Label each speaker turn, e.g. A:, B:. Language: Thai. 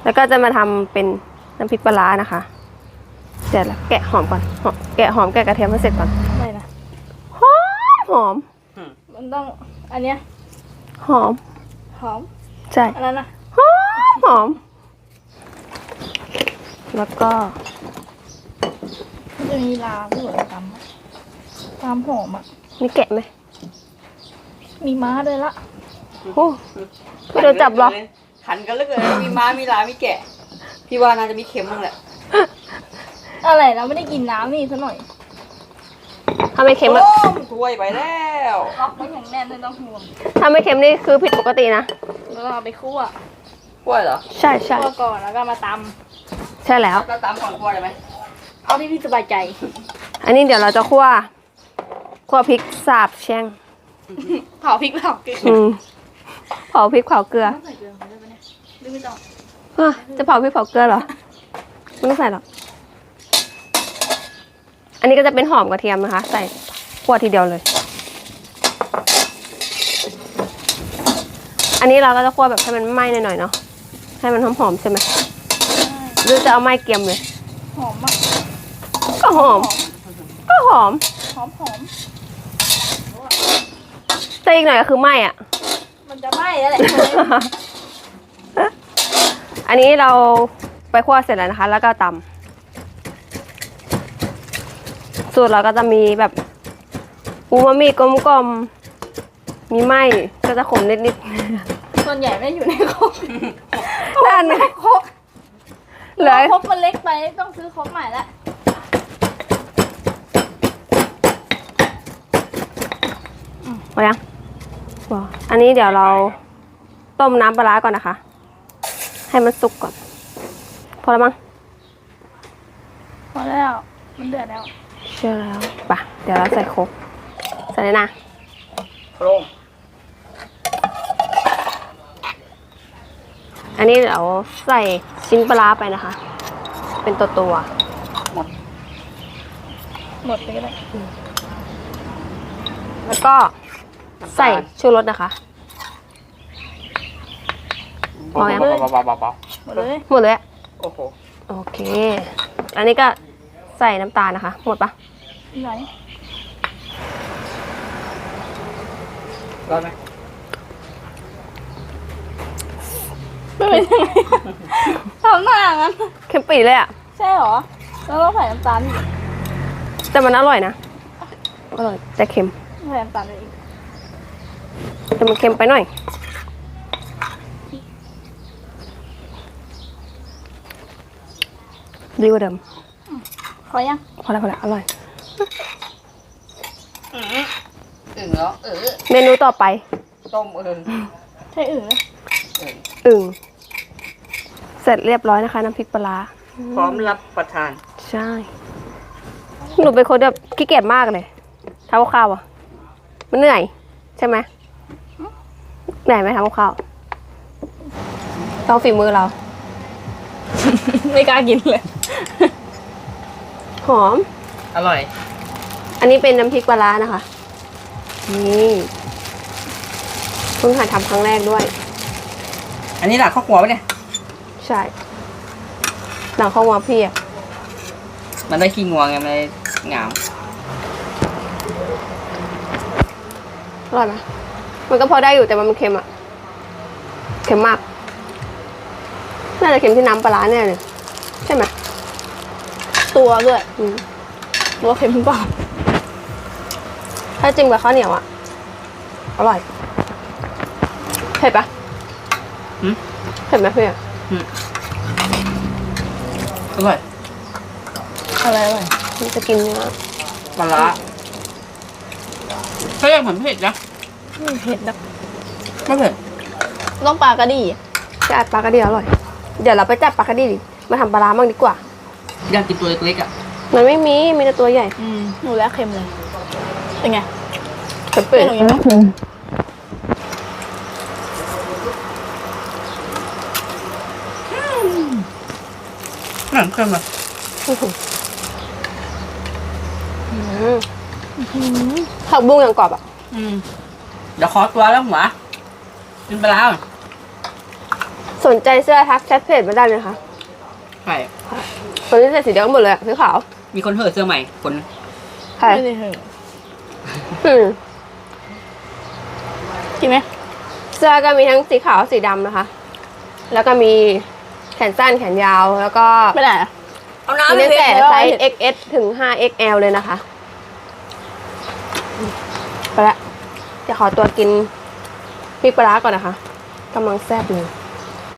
A: แล้วก็จะมาทำเป็นน้ำพริกปลาร้านะคะเดี๋ยวแกะหอมก่อนแกะหอมแกะกระเทียมให้เสร็จก่อน
B: ไม่นะ
A: หอม
B: มันต้องอันเนี้ย
A: หอม
B: หอม
A: ใช่
B: อันนั้นนะ
A: หอมแล้วก็
B: มันจะมีลาที่เหมือนตำหอมอ่ะ
A: นี่แกะไหม
B: มีม้าด้วยละ
A: โอ้ไม่โดนจับหรอ
C: ขันกันเหลือเกินมีม้ามีลามีแกะพี่ว่าน่าจะมีเค็มบ้างแหละ
B: อะไรเราไม่ได้กินน้ำนี่ซะหน่อย
A: ถ้าไม่เค็ม
C: โอ้ถ้วยไปแล้ว
B: ล็อกไว้อย่างแน่นไม่ต้องห่วง
A: ถ้าไม่เค็มนี่คือผิดปกตินะ
B: แล้วก็เอาไปคั่ว
C: กล้วยเหรอ
A: ใช่ใช่
B: คั่วก่อนแล้วก็มาต
A: ใช่แล้ว
C: เราตามก่อนกล้วยได้ไหม
B: ำเอาที่พี่สบายใจ
A: อันนี้เดี๋ยวเราจะคั่วพริกสาบแช่ง
B: เผาพริกเผาเกลือ
A: เผาพริกเผาเกลือ
B: ต้องใส่เกลือไปได้ปะเนี่ยหรือไม่ต้อง
A: จะเผาพริกเผาเกลือเหรอไม่ต้องใส่หรอกอันนี้ก็จะเป็นหอมกระเทียมนะคะ ใส่คั่วทีเดียวเลย อันนี้เราก็จะคั่วแบบให้มันไหม้หน่อยๆเนาะให้มันหอมๆใช่ไหมหรือจะเอาไหม้เกรียมเลย
B: หอมมาก
A: ก็หอม ก็หอม
B: หอมหอม
A: แต่อีกหน่อยก็คือไหม้อ่ะ
B: มันจะไหม้แล้วแหละ
A: อันนี้เราไปคั่วเสร็จแล้วนะคะ แล้วก็ตำสูตรเราก็จะมีแบบอูมามิกลมๆมีไหม้ก็จะขมนิด
B: ส่วนใหญ่ไม่อยู่ในครก
A: ๆนั่น
B: ครก
A: เหลือ
B: ครกมันเล็กไปต้องซื้อครกใหม่ละ
A: พอยังพออันนี้เดี๋ยวเราต้มน้ำปลาร้าก่อนนะคะ ให้มันสุกก่อน พอแล้วมั้ง
B: พอแล้วมันเดือดแล้ว
A: เชื่อแล้วปะเดี๋ยวเราใส่โครกใส่เลยนะ
C: โครง
A: อันนี้เดี๋ยวใส่ชิ้นปลาร้าไปนะคะ เป็นตัว
B: หมดไปก็ได้
A: ๆแล้วก็ใส่ชูรสนะคะ พอยัง
C: เบา
B: หมดเลย
A: หมดเลยอะ
C: ๆโอ้โห
A: โอเค อันนี้ก็ใส่น้ำตาลนะคะ หมดปะ
B: ไหน
C: ร้อนไหม
B: ไม่เป็นยังไงทำหน้างั้น
A: เค็มปีเลยอะ
B: ใช่เหรอ แล้วเราใส่น้ำตาลอีก
A: แต่มันอร่อยนะ อร่อยแต่เค็ม
B: ใส่น้ำตาลไปอีก
A: แต่มันเค็มไปหน่อย ดีกว่าเดิม
B: พอยัง
A: พอแล้วอร่อย
C: อึ่งแล้ว
A: เมนูต่อไป
C: ต้ม
B: ใช่อื่นเลย
A: อึ่งเสร็จเรียบร้อยนะคะ น้ำพริกปลาร้า
C: พร้อมรับประทาน
A: ใช่ หนูเป็นคนแบบขี้เกียจมากเลยทำกับข้าวอ่ะ มันเหนื่อย ใช่ไหมเหนื่อยไหมทำกับข้าวต้องฝีมือเรา
B: ไม่กล้ากินเลย
A: หอม
C: อร่อย
A: อันนี้เป็นน้ำพริกปลาร้านะคะ นี่เพิ่งหัดทำครั้งแรกด้วย
C: อันนี้หลักข้าวหัวปะเนี่ย
A: ใช่หลังข้าววางพี่อ่ะ
C: มันได้ขี้งวงไงมันเลยงาม
A: อร่อยไหมมันก็พอได้อยู่แต่มันเค็มอ่ะ เค็มมาก น่าจะเค็มที่น้ำปลาร้าแน่เลยใช่ไหม
B: ตัวด้วย
A: อืม
B: ตัวเค็มเปล่า
A: ถ้าจิ้มกับข้าวเหนียวอ่ะ อร่อย เผ็ดปะ
C: หืม
A: เผ็ดไหมพี่อะ
C: อร่อย
B: อะไรอร่อย
A: มันจะกินเนื้อ
C: ปลาร้าเขาเรียกเหมือนเผ็ดนะ
B: ไม่เผ็ดนะ
C: ไม่เผ็ด
B: ต้องปลากระดี่
A: จะอัดปลากระเดียวอร่อย เดี๋ยวเราไปจับปลากระดีดิมาทำปลาร้าบ้างดีกว่า
C: อยากกินตัวเล็กๆอ่ะ
A: มันไม่มี มีแต่ตัวใหญ่
B: หนูแล้วเค็มเลย เป็นไง
A: เผ็ดเปื่อย
B: หนูยังไม่เค็ม
C: หนังเค็มอ่ะ
A: ผักบุ้งอย่างกรอบอ่ะ
C: เดี๋ยวขอตัวแล้วหัวกินปลาร้าก่อน
A: สนใจเสื้อทักแชทเพจมาได้เลยค่ะ
C: ใช่
A: คนที่ใส่สีแดงหมดเลยอะสีขาว
C: มีคนเหอะเสื้อใหม่คน
A: ใช่
B: ไม่ได้เหอะ
A: อืม
B: กินไหม
A: เสื้อก็มีทั้งสีขาวสีดำนะคะ แล้วก็มีแขนสั้นแขนยาวแล้วก็
B: ไม่ได้อะ
C: เอา
A: มี
C: น้ำไป
A: ตั้ง
C: เพ
A: แต่
C: ชร
A: ไซส์ XS ถึง 5XL เลยนะคะ ไปละจะขอตัวกินพริกปลาร้าก่อนนะคะกำลังแซ่บเลย